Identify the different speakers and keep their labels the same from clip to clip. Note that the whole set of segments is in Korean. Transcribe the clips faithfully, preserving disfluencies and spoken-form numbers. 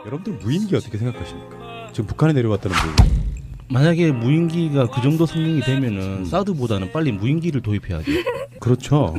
Speaker 1: 여러분들 무인기 어떻게 생각하십니까? 지금 북한에 내려왔다는 무인기.
Speaker 2: 만약에 무인기가 그 정도 성능이 되면은 음. 사드보다는 빨리 무인기를 도입해야죠.
Speaker 1: 그렇죠.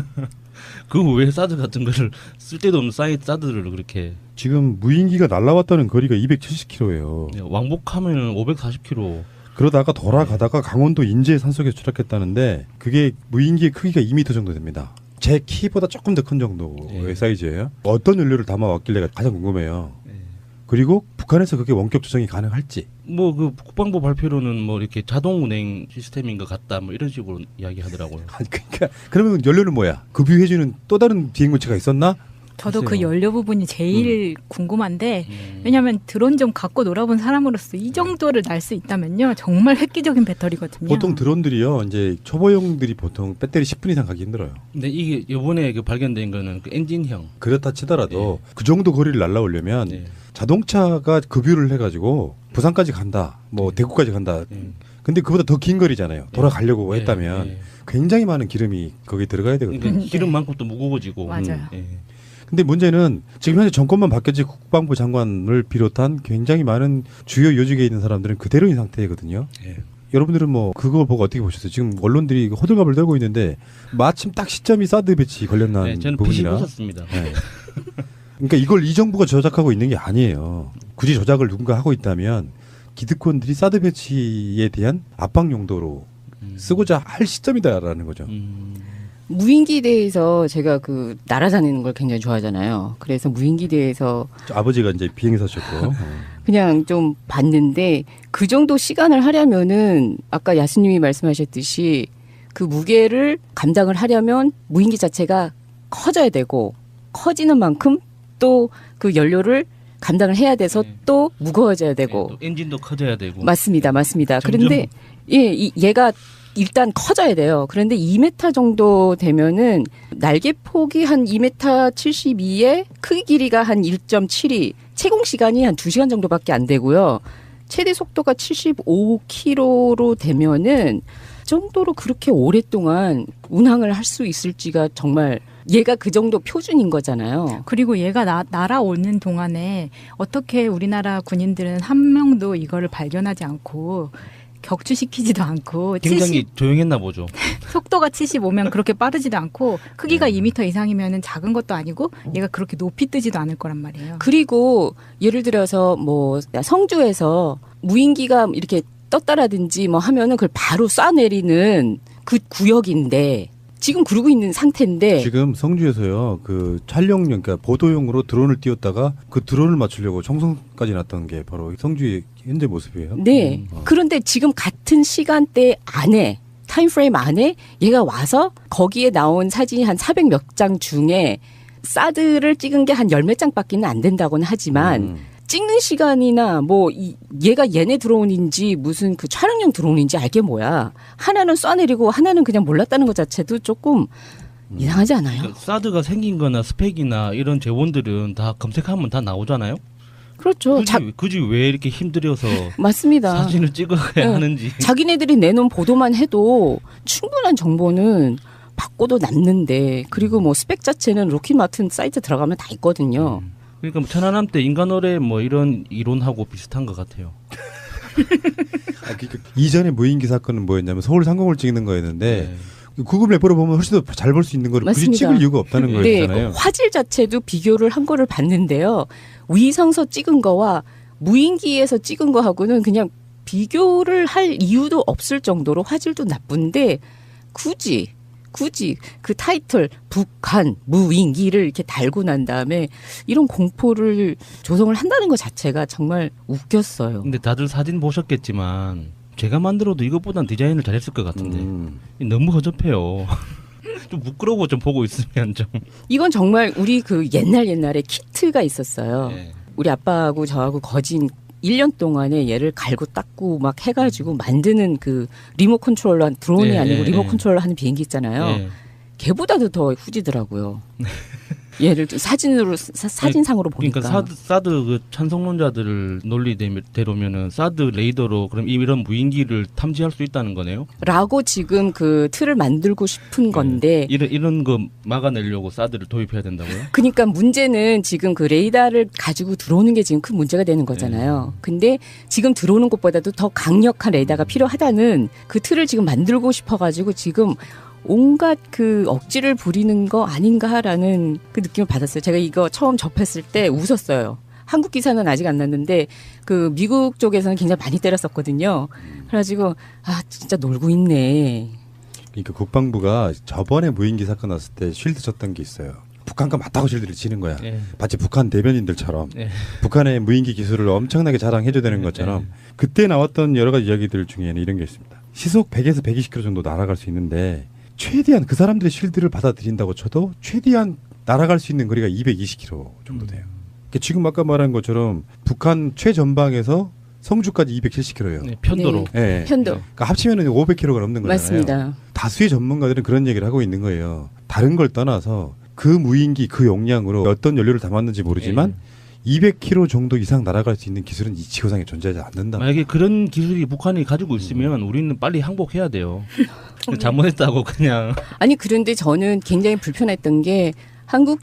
Speaker 2: 그 왜 사드 같은 거를 쓸데도 없는 사이트 사드를 그렇게.
Speaker 1: 지금 무인기가 날라왔다는 거리가 이백칠십 킬로미터예요.
Speaker 2: 네, 왕복하면 오백사십 킬로미터.
Speaker 1: 그러다가 돌아가다가 강원도 인제 산속에 추락했다는데 그게 무인기의 크기가 이 미터 정도 됩니다. 제 키보다 조금 더 큰 정도의 네. 사이즈예요. 어떤 연료를 담아왔길래 가장 궁금해요. 네. 그리고 북한에서 그게 원격 조정이 가능할지.
Speaker 2: 뭐 그 국방부 발표로는 뭐 이렇게 자동 운행 시스템인 것 같다 뭐 이런 식으로 이야기하더라고요.
Speaker 1: 아니 그러니까 그러면 연료는 뭐야? 급유해주는 또 다른 비행물체가 있었나?
Speaker 3: 저도
Speaker 1: 글쎄요.
Speaker 3: 그 연료 부분이 제일 음. 궁금한데
Speaker 2: 음.
Speaker 3: 왜냐하면 드론 좀 갖고 놀아본 사람으로서 이 정도를 날 수 있다면요 정말 획기적인 배터리거든요.
Speaker 1: 보통 드론들이요 이제 초보용들이 보통 배터리 십 분 이상 가기 힘들어요.
Speaker 2: 근데 이게 이번에 그 발견된 거는 그 엔진형.
Speaker 1: 그렇다 치더라도
Speaker 2: 네.
Speaker 1: 그 정도 거리를 날라오려면
Speaker 2: 네.
Speaker 1: 자동차가 급유를 해가지고 부산까지 간다, 뭐
Speaker 2: 네.
Speaker 1: 대구까지 간다.
Speaker 2: 네.
Speaker 1: 근데 그보다 더 긴 거리잖아요. 돌아가려고
Speaker 2: 네.
Speaker 1: 했다면
Speaker 2: 네.
Speaker 1: 굉장히 많은 기름이 거기에 들어가야 되거든요.
Speaker 2: 그러니까 기름만큼 또 무거워지고.
Speaker 3: 맞아요.
Speaker 2: 음. 네.
Speaker 1: 근데 문제는 지금 현재 정권만 바뀌었지 국방부 장관을 비롯한 굉장히 많은 주요 요직에 있는 사람들은 그대로인 상태거든요.
Speaker 2: 네.
Speaker 1: 여러분들은 뭐 그거 보고 어떻게 보셨어요? 지금 언론들이 호들갑을 떨고 있는데 마침 딱 시점이 사드 배치 관련한
Speaker 2: 네, 저는
Speaker 1: 부분이라.
Speaker 2: 보셨습니다.
Speaker 1: 네. 그러니까 이걸 이 정부가 조작하고 있는 게 아니에요. 굳이 조작을 누군가 하고 있다면 기득권들이 사드 배치에 대한 압박 용도로
Speaker 2: 음.
Speaker 1: 쓰고자 할 시점이다라는 거죠.
Speaker 2: 음.
Speaker 4: 무인기 대회에서 제가 그 날아다니는 걸 굉장히 좋아하잖아요. 그래서 무인기 대회에서
Speaker 1: 아버지가 이제 비행사셨고
Speaker 4: 그냥 좀 봤는데 그 정도 시간을 하려면은 아까 야수님이 말씀하셨듯이 그 무게를 감당을 하려면 무인기 자체가 커져야 되고 커지는 만큼 또 그 연료를 감당을 해야 돼서
Speaker 2: 네.
Speaker 4: 또 무거워져야 되고
Speaker 2: 네, 또 엔진도 커져야 되고.
Speaker 4: 맞습니다, 맞습니다.
Speaker 2: 점점.
Speaker 4: 그런데 예, 이, 얘가 일단 커져야 돼요. 그런데 이 미터 정도 되면은 날개 폭이 한 이 미터 칠십이에 크기 길이가 한 일 점 칠이, 채공 시간이 한 두 시간 정도밖에 안 되고요. 최대 속도가 칠십오 킬로미터로 되면은 정도로 그렇게 오랫동안 운항을 할 수 있을지가 정말 얘가 그 정도 표준인 거잖아요.
Speaker 3: 그리고 얘가 나, 날아오는 동안에 어떻게 우리나라 군인들은 한 명도 이거를 발견하지 않고 격추시키지도 않고
Speaker 2: 굉장히
Speaker 3: 칠십,
Speaker 2: 조용했나 보죠.
Speaker 3: 속도가 칠십오면 그렇게 빠르지도 않고 크기가
Speaker 2: 음.
Speaker 3: 이 미터 이상이면 작은 것도 아니고 얘가 그렇게 높이 뜨지도 않을 거란 말이에요.
Speaker 4: 그리고 예를 들어서 뭐 성주에서 무인기가 이렇게 떴다라든지 뭐 하면은 그걸 바로 쏴내리는 그 구역인데 지금 그러고 있는 상태인데
Speaker 1: 지금 성주에서요 그 촬영용 그러니까 보도용으로 드론을 띄웠다가 그 드론을 맞추려고 청송까지 났던 게 바로 성주의 현재 모습이에요.
Speaker 4: 네.
Speaker 1: 음.
Speaker 4: 그런데 지금 같은 시간대 안에 타임프레임 안에 얘가 와서 거기에 나온 사진이 한 사백 몇 장 중에 사드를 찍은 게 한 열 몇 장밖에는 안 된다고는 하지만
Speaker 1: 음.
Speaker 4: 찍는 시간이나 뭐 이, 얘가 얘네 드론인지 무슨 그 촬영용 드론인지 알게 뭐야. 하나는 쏴내리고 하나는 그냥 몰랐다는 것 자체도 조금 음. 이상하지 않아요?
Speaker 2: 그러니까 사드가 생긴 거나 스펙이나 이런 재원들은 다 검색하면 다 나오잖아요.
Speaker 4: 그렇죠.
Speaker 2: 굳이,
Speaker 4: 자,
Speaker 2: 굳이 왜 이렇게 힘들여서
Speaker 4: 맞습니다.
Speaker 2: 사진을 찍어야
Speaker 4: 네.
Speaker 2: 하는지.
Speaker 4: 자기네들이 내놓은 보도만 해도 충분한 정보는 받고도 남는데 그리고 뭐 스펙 자체는 로키마튼 사이트 들어가면 다 있거든요.
Speaker 2: 음. 그러니까 뭐 천안함 때 인간어뢰 뭐 이런 이론하고 비슷한 것 같아요.
Speaker 1: 아, 그, 그, 이전에 무인기 사건은 뭐였냐면 서울 상공을 찍는 거였는데
Speaker 2: 네.
Speaker 1: 구글 맵으로 보면 훨씬 더 잘 볼 수 있는 걸 굳이
Speaker 4: 맞습니다.
Speaker 1: 찍을 이유가 없다는
Speaker 4: 네,
Speaker 1: 거였잖아요.
Speaker 4: 그 화질 자체도 비교를 한 거를 봤는데요. 위성서 찍은 거와 무인기에서 찍은 거하고는 그냥 비교를 할 이유도 없을 정도로 화질도 나쁜데 굳이 굳이 그 타이틀 북한 무인기를 이렇게 달고 난 다음에 이런 공포를 조성을 한다는 것 자체가 정말 웃겼어요.
Speaker 2: 근데 다들 사진 보셨겠지만 제가 만들어도 이것보단 디자인을 잘했을 것 같은데
Speaker 1: 음.
Speaker 2: 너무 허접해요. 좀 부끄러워 좀 보고 있으면 좀.
Speaker 4: 이건 정말 우리 그 옛날 옛날에 키트가 있었어요.
Speaker 2: 네.
Speaker 4: 우리 아빠하고 저하고 거진 일 년 동안에 얘를 갈고 닦고 막 해가지고 만드는 그 리모 컨트롤러 한 드론이
Speaker 2: 네,
Speaker 4: 아니고
Speaker 2: 네,
Speaker 4: 리모
Speaker 2: 네.
Speaker 4: 컨트롤러 하는 비행기 있잖아요.
Speaker 2: 네.
Speaker 4: 걔보다도 더 후지더라고요. 예를 들 사진으로 사, 사진상으로 보니까.
Speaker 2: 그러니까 사드, 사드 그 찬성론자들 논리대로면은 사드 레이더로 그럼 이런 무인기를 탐지할 수 있다는 거네요.
Speaker 4: 라고 지금 그 틀을 만들고 싶은 건데.
Speaker 2: 이런 이런 거 막아내려고 사드를 도입해야 된다고요?
Speaker 4: 그러니까 문제는 지금 그 레이더를 가지고 들어오는 게 지금 큰 문제가 되는 거잖아요. 근데 지금 들어오는 것보다도 더 강력한 레이더가 필요하다는 그 틀을 지금 만들고 싶어가지고 지금 온갖 그 억지를 부리는 거 아닌가라는 그 느낌을 받았어요. 제가 이거 처음 접했을 때 웃었어요. 한국 기사는 아직 안 났는데 그 미국 쪽에서는 굉장히 많이 때렸었거든요. 그래가지고 아 진짜 놀고 있네.
Speaker 1: 그러니까 국방부가 저번에 무인기 사건 났을 때 쉴드 쳤던 게 있어요. 북한과 맞다고 쉴드를 치는 거야.
Speaker 2: 네.
Speaker 1: 마치 북한 대변인들처럼
Speaker 2: 네.
Speaker 1: 북한의 무인기 기술을 엄청나게 자랑해줘야 되는 것처럼
Speaker 2: 네.
Speaker 1: 그때 나왔던 여러 가지 이야기들 중에는 이런 게 있습니다. 시속 백에서 백이십 킬로미터 정도 날아갈 수 있는데 최대한 그 사람들의 쉴드를 받아들인다고 쳐도 최대한 날아갈 수 있는 거리가 이백이십 킬로미터 정도 돼요. 그러니까 지금 아까 말한 것처럼 북한 최전방에서 성주까지 이백칠십 킬로미터예요.
Speaker 2: 네, 편도로.
Speaker 4: 네.
Speaker 1: 네.
Speaker 4: 편도.
Speaker 1: 그러니까 합치면은 오백 킬로미터가 넘는 거잖아요.
Speaker 4: 맞습니다.
Speaker 1: 다수의 전문가들은 그런 얘기를 하고 있는 거예요. 다른 걸 떠나서 그 무인기 그 용량으로 어떤 연료를 담았는지 모르지만
Speaker 2: 네.
Speaker 1: 이백 킬로미터 정도 이상 날아갈 수 있는 기술은 이 지구상에 존재하지 않는다.
Speaker 2: 만약에 그런 기술이 북한이 가지고 있으면
Speaker 1: 음.
Speaker 2: 우리는 빨리 항복해야 돼요. 잘못했다고 그냥.
Speaker 4: 아니 그런데 저는 굉장히 불편했던 게 한국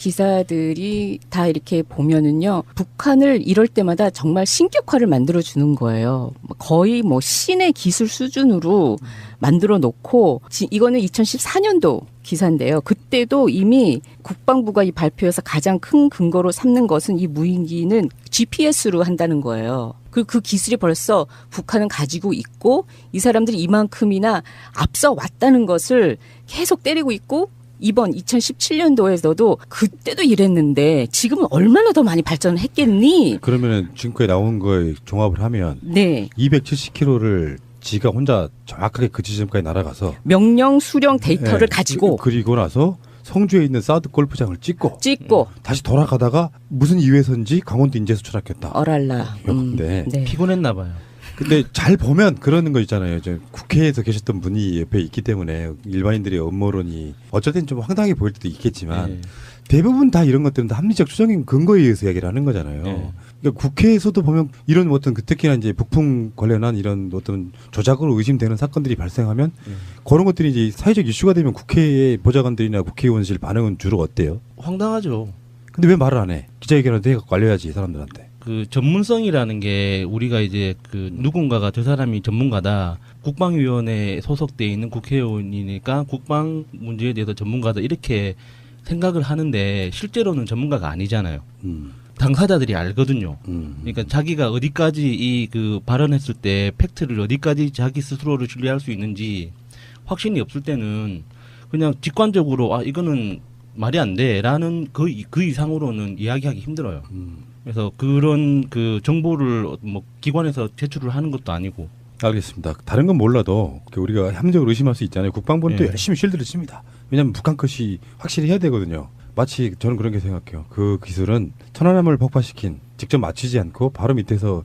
Speaker 4: 기사들이 다 이렇게 보면은요 북한을 이럴 때마다 정말 신격화를 만들어 주는 거예요. 거의 뭐 신의 기술 수준으로 만들어 놓고 지, 이거는 이천십사 년도 기사인데요. 그때도 이미 국방부가 이 발표에서 가장 큰 근거로 삼는 것은 이 무인기는 지피에스로 한다는 거예요. 그, 그 기술이 벌써 북한은 가지고 있고 이 사람들이 이만큼이나 앞서 왔다는 것을 계속 때리고 있고 이번 이천십칠 년도에서도 그때도 이랬는데 지금은 얼마나 더 많이 발전을 했겠니?
Speaker 1: 그러면은 지금까지 나온 거에 종합을 하면
Speaker 4: 네.
Speaker 1: 이백칠십 킬로미터를 지가 혼자 정확하게 그 지점까지 날아가서
Speaker 4: 명령 수령 데이터를
Speaker 1: 네,
Speaker 4: 가지고
Speaker 1: 그, 그리고 나서 성주에 있는 사드 골프장을 찍고
Speaker 4: 찍고
Speaker 1: 다시 돌아가다가 무슨 이유에서인지 강원도 인제에서 추락했다.
Speaker 4: 어랄라. 음,
Speaker 1: 네.
Speaker 4: 네.
Speaker 2: 피곤했나 봐요.
Speaker 1: 근데 잘 보면 그러는 거 있잖아요. 이제 국회에서 계셨던 분이 옆에 있기 때문에 일반인들의 음모론이 어쩔 땐 좀 황당해 보일 때도 있겠지만
Speaker 2: 네.
Speaker 1: 대부분 다 이런 것들은 다 합리적 추정인 근거에 의해서 이야기를 하는 거잖아요.
Speaker 2: 네.
Speaker 1: 그러니까 국회에서도 보면 이런 어떤 그 특히나 이제 북풍 관련한 이런 어떤 조작으로 의심되는 사건들이 발생하면
Speaker 2: 네.
Speaker 1: 그런 것들이 이제 사회적 이슈가 되면 국회의 보좌관들이나 국회의원실 반응은 주로 어때요?
Speaker 2: 황당하죠.
Speaker 1: 근데 왜 말을 안 해? 기자회견을 해갖고 알려야지 사람들한테.
Speaker 2: 그 전문성이라는 게 우리가 이제 그 누군가가 저 사람이 전문가다, 국방위원회에 소속돼 있는 국회의원이니까 국방 문제에 대해서 전문가다 이렇게 생각을 하는데 실제로는 전문가가 아니잖아요.
Speaker 1: 음,
Speaker 2: 당사자들이 알거든요.
Speaker 1: 음.
Speaker 2: 그러니까 자기가 어디까지 이 그 발언했을 때 팩트를 어디까지 자기 스스로를 신뢰할 수 있는지 확신이 없을 때는 그냥 직관적으로 아 이거는 말이 안 돼라는 그, 그 이상으로는 이야기하기 힘들어요.
Speaker 1: 음.
Speaker 2: 그래서 그런 그 정보를 뭐 기관에서 제출을 하는 것도 아니고.
Speaker 1: 알겠습니다. 다른 건 몰라도 우리가 합리적으로 의심할 수 있잖아요. 국방부는 또
Speaker 2: 네.
Speaker 1: 열심히 쉴드를 칩니다. 왜냐하면 북한 컷이 확실히 해야 되거든요. 마치 저는 그런 게 생각해요. 그 기술은 천안함을 폭파시킨 직접 맞추지 않고 바로 밑에서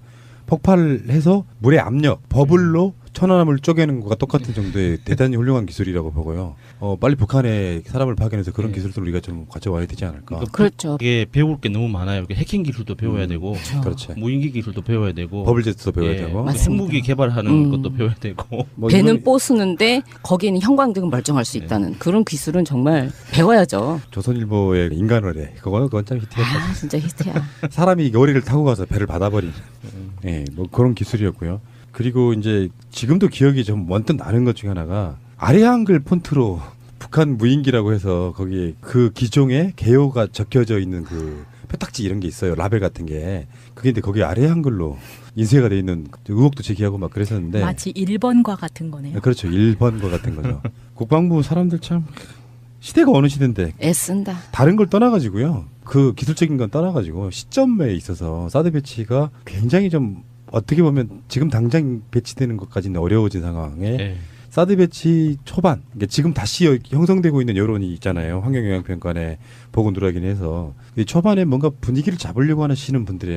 Speaker 1: 폭발해서 물의 압력, 버블로 천안함을 쪼개는 것과 똑같은 정도의 대단히 훌륭한 기술이라고 보고요. 어, 빨리 북한에 사람을 파견해서 그런
Speaker 2: 네.
Speaker 1: 기술들을 우리가 좀 가져와야 되지 않을까.
Speaker 4: 그렇죠.
Speaker 2: 이게 배울 게 너무 많아요. 이게 해킹 기술도 배워야
Speaker 1: 음,
Speaker 2: 되고,
Speaker 1: 그렇지.
Speaker 2: 무인기 기술도 배워야 되고,
Speaker 1: 버블제트도 배워야
Speaker 2: 예,
Speaker 1: 되고.
Speaker 4: 맞습니다.
Speaker 2: 핵무기 개발하는
Speaker 4: 음.
Speaker 2: 것도 배워야 되고.
Speaker 1: 뭐
Speaker 4: 배는
Speaker 1: 이번
Speaker 4: 뽀쓰는데 거기에는 형광등은 멀쩡할 수 있다는 그런 기술은 정말 배워야죠.
Speaker 1: 조선일보의 인간어뢰 그거는 그건 참 히트했다.
Speaker 4: 아 진짜 히트야.
Speaker 1: 사람이 요리를 타고 가서 배를 받아버린 예, 뭐 그런 기술이었고요. 그리고 이제 지금도 기억이 좀 원뜻 나는 것 중에 하나가 아래 한글 폰트로 북한 무인기라고 해서 거기에 그 기종의 개요가 적혀져 있는 그 표딱지 이런 게 있어요. 라벨 같은 게. 그게 근데 거기 아래 한글로 인쇄가 돼 있는 의혹도 제기하고 막 그랬었는데.
Speaker 3: 마치 일 번과 같은 거네요.
Speaker 1: 그렇죠. 일 번과 같은 거죠. 국방부 사람들 참 시대가 어느 시대인데
Speaker 4: 애쓴다.
Speaker 1: 다른 걸 떠나가지고요. 그 기술적인 건 떠나가지고 시점에 있어서 사드 배치가 굉장히 좀 어떻게 보면 지금 당장 배치되는 것까지는 어려워진 상황에
Speaker 2: 예.
Speaker 1: 사드 배치 초반, 그러니까 지금 다시 형성되고 있는 여론이 있잖아요. 환경영향평가에 보고 누락이긴 해서 이 초반에 뭔가 분위기를 잡으려고 하시는 분들의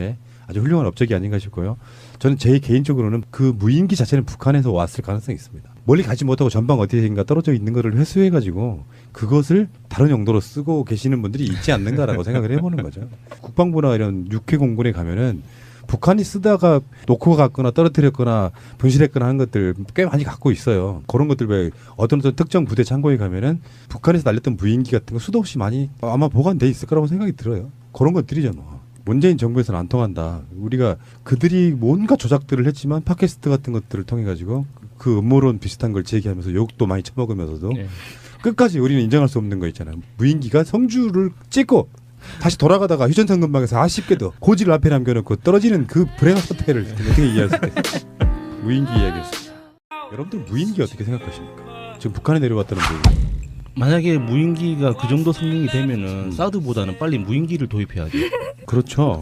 Speaker 1: 아주 훌륭한 업적이 아닌가 싶고요. 저는 제 개인적으로는 그 무인기 자체는 북한에서 왔을 가능성이 있습니다. 멀리 가지 못하고 전방 어디인가 떨어져 있는 것을 회수해가지고 그것을 다른 용도로 쓰고 계시는 분들이 있지 않는가라고 생각을 해보는 거죠. 국방부나 이런 육해공군에 가면은 북한이 쓰다가 놓고 갔거나 떨어뜨렸거나 분실했거나 하는 것들 꽤 많이 갖고 있어요. 그런 것들 왜 어떤 어떤 특정 부대 창고에 가면은 북한에서 날렸던 무인기 같은 거 수도 없이 많이 아마 보관돼 있을 거라고 생각이 들어요. 그런 것들이죠 뭐. 문재인 정부에서는 안 통한다. 우리가 그들이 뭔가 조작들을 했지만 팟캐스트 같은 것들을 통해 가지고 그 음모론 비슷한 걸 제기하면서 욕도 많이 처먹으면서도
Speaker 2: 네.
Speaker 1: 끝까지 우리는 인정할 수 없는 거 있잖아요. 무인기가 성주를 찍고 다시 돌아가다가 휴전선 근방에서 아쉽게도 고지를 앞에 남겨놓고 떨어지는 그 불행한 사태를 어떻게 이해할 수 있을까요? 무인기 이야기였습니다. 여러분들 무인기 어떻게 생각하십니까? 지금 북한에 내려왔다는 무인기.
Speaker 2: 만약에 무인기가 그 정도 성능이 되면은 음. 사드보다는 빨리 무인기를 도입해야죠.
Speaker 1: 그렇죠.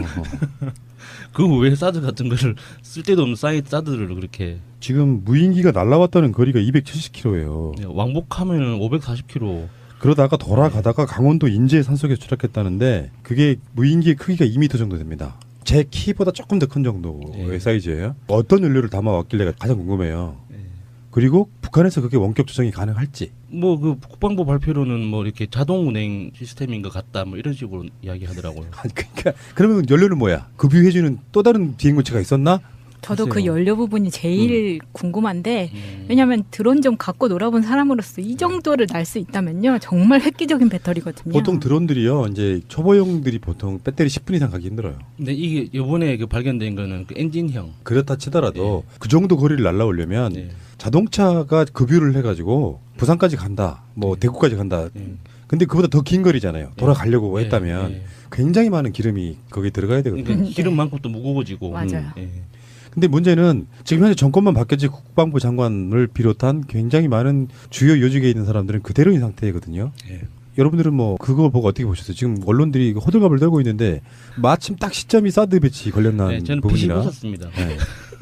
Speaker 2: 그 왜 사드 같은 거를 쓸데도 없는 사이트 사드를 그렇게
Speaker 1: 지금 무인기가 날아왔다는 거리가 이백칠십 킬로미터예요.
Speaker 2: 왕복하면은 오백사십 킬로미터.
Speaker 1: 그러다가 돌아가다가 강원도 인제 산속에 추락했다는데 그게 무인기의 크기가 이 미터 정도 됩니다. 제 키보다 조금 더 큰 정도의 네. 사이즈예요. 어떤 연료를 담아왔길래 가장 궁금해요. 네. 그리고 북한에서 그게 원격 조정이 가능할지.
Speaker 2: 뭐 그 국방부 발표로는 뭐 이렇게 자동 운행 시스템인 것 같다 뭐 이런 식으로 이야기하더라고요.
Speaker 1: 그러니까 그러면 연료는 뭐야? 급유해주는 또 다른 비행물체가 있었나?
Speaker 3: 저도
Speaker 2: 글쎄요.
Speaker 3: 그 연료 부분이 제일 음. 궁금한데
Speaker 2: 음.
Speaker 3: 왜냐하면 드론 좀 갖고 놀아본 사람으로서 이 정도를 날 수 있다면요 정말 획기적인 배터리거든요.
Speaker 1: 보통 드론들이요 이제 초보용들이 보통 배터리 십 분 이상 가기 힘들어요.
Speaker 2: 근데 이게 이번에 그 발견된 거는 그 엔진형.
Speaker 1: 그렇다 치더라도
Speaker 2: 네.
Speaker 1: 그 정도 거리를 날아오려면
Speaker 2: 네.
Speaker 1: 자동차가 급유를 해가지고 부산까지 간다, 뭐
Speaker 2: 네.
Speaker 1: 대구까지 간다.
Speaker 2: 네.
Speaker 1: 근데 그보다 더 긴 거리잖아요. 돌아가려고
Speaker 2: 네.
Speaker 1: 했다면
Speaker 2: 네.
Speaker 1: 굉장히 많은 기름이 거기에 들어가야 되거든요.
Speaker 2: 그러니까 기름만큼 또 무거워지고.
Speaker 3: 맞아요.
Speaker 2: 네.
Speaker 1: 근데 문제는 지금 현재 정권만 바뀌었지 국방부 장관을 비롯한 굉장히 많은 주요 요직에 있는 사람들은 그대로인 상태거든요.
Speaker 2: 네.
Speaker 1: 여러분들은 뭐 그거 보고 어떻게 보셨어요? 지금 언론들이 호들갑을 떨고 있는데 마침 딱 시점이 사드 배치 관련한
Speaker 2: 네, 저는
Speaker 1: 부분이라.
Speaker 2: 보셨습니다.
Speaker 1: 네.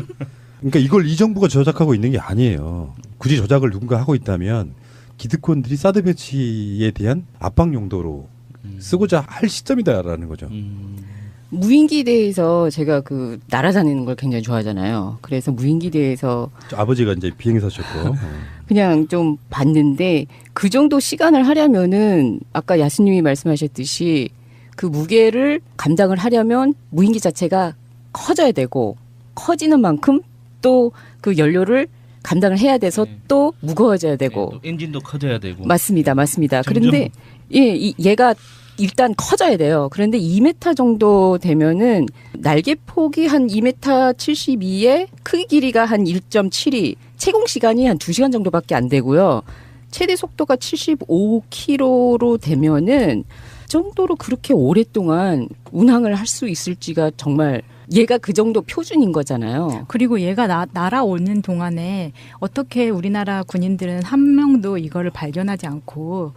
Speaker 1: 그러니까 이걸 이 정부가 조작하고 있는 게 아니에요. 굳이 조작을 누군가 하고 있다면 기득권들이 사드 배치에 대한 압박 용도로
Speaker 2: 음.
Speaker 1: 쓰고자 할 시점이다라는 거죠.
Speaker 2: 음.
Speaker 4: 무인기 대회에서 제가 그 날아다니는 걸 굉장히 좋아하잖아요. 그래서 무인기 대회에서
Speaker 1: 아버지가 이제 비행사셨고
Speaker 4: 그냥 좀 봤는데 그 정도 시간을 하려면은 아까 야수님이 말씀하셨듯이 그 무게를 감당을 하려면 무인기 자체가 커져야 되고 커지는 만큼 또 그 연료를 감당을 해야 돼서
Speaker 2: 네.
Speaker 4: 또 무거워져야 되고
Speaker 2: 네, 또 엔진도 커져야 되고.
Speaker 4: 맞습니다, 맞습니다.
Speaker 2: 점점.
Speaker 4: 그런데 예, 이, 얘가 일단 커져야 돼요. 그런데 이 미터 정도 되면은 날개 폭이 한 이 미터 칠십이에 크기 길이가 한 일 점 칠이, 채공 시간이 한 두 시간 정도밖에 안 되고요. 최대 속도가 칠십오 킬로미터로 되면은 정도로 그렇게 오랫동안 운항을 할 수 있을지가 정말 얘가 그 정도 표준인 거잖아요.
Speaker 3: 그리고 얘가 나, 날아오는 동안에 어떻게 우리나라 군인들은 한 명도 이거를 발견하지 않고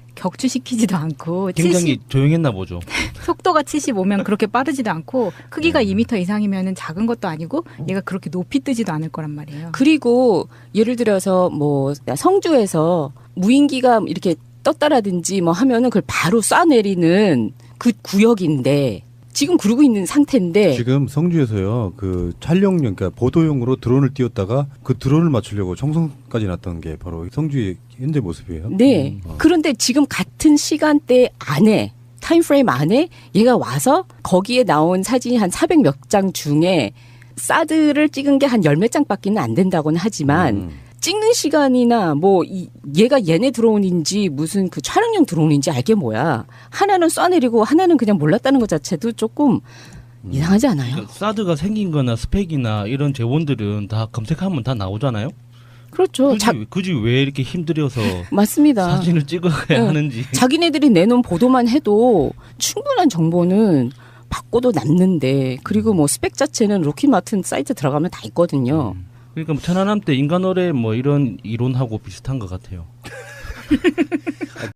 Speaker 3: 격추시키지도 않고
Speaker 2: 굉장히
Speaker 3: 칠십,
Speaker 2: 조용했나 보죠.
Speaker 3: 속도가 칠십오면 그렇게 빠르지도 않고 크기가 이 미터 이상이면 작은 것도 아니고 얘가 그렇게 높이 뜨지도 않을 거란 말이에요.
Speaker 4: 그리고 예를 들어서 뭐 성주에서 무인기가 이렇게 떴다라든지 뭐 하면은 그걸 바로 쏴내리는 그 구역인데 지금 그러고 있는 상태인데
Speaker 1: 지금 성주에서요 그 촬영용 그러니까 보도용으로 드론을 띄웠다가 그 드론을 맞추려고 청송까지 났던 게 바로 성주의 현재 모습이에요.
Speaker 4: 네.
Speaker 1: 음. 어.
Speaker 4: 그런데 지금 같은 시간대 안에 타임프레임 안에 얘가 와서 거기에 나온 사진이 한 사백 몇 장 중에 사드를 찍은 게 한 열 몇 장밖에는 안 된다고는 하지만
Speaker 1: 음.
Speaker 4: 찍는 시간이나 뭐 이, 얘가 얘네 드론인지 무슨 그 촬영용 드론인지 알게 뭐야. 하나는 쏴내리고 하나는 그냥 몰랐다는 것 자체도 조금
Speaker 1: 음.
Speaker 4: 이상하지 않아요?
Speaker 2: 그러니까 사드가 생긴 거나 스펙이나 이런 재원들은 다 검색하면 다 나오잖아요.
Speaker 4: 그렇죠.
Speaker 2: 굳이,
Speaker 4: 자,
Speaker 2: 굳이 왜 이렇게 힘들여서
Speaker 4: 맞습니다.
Speaker 2: 사진을 찍어야
Speaker 4: 응.
Speaker 2: 하는지.
Speaker 4: 자기네들이 내놓은 보도만 해도 충분한 정보는 받고도 남는데 그리고 뭐 스펙 자체는 로킷 마틴 사이트 들어가면 다 있거든요.
Speaker 2: 음. 그러니까 뭐 천안함 때 인간어뢰 뭐 이런 이론하고 비슷한 것 같아요.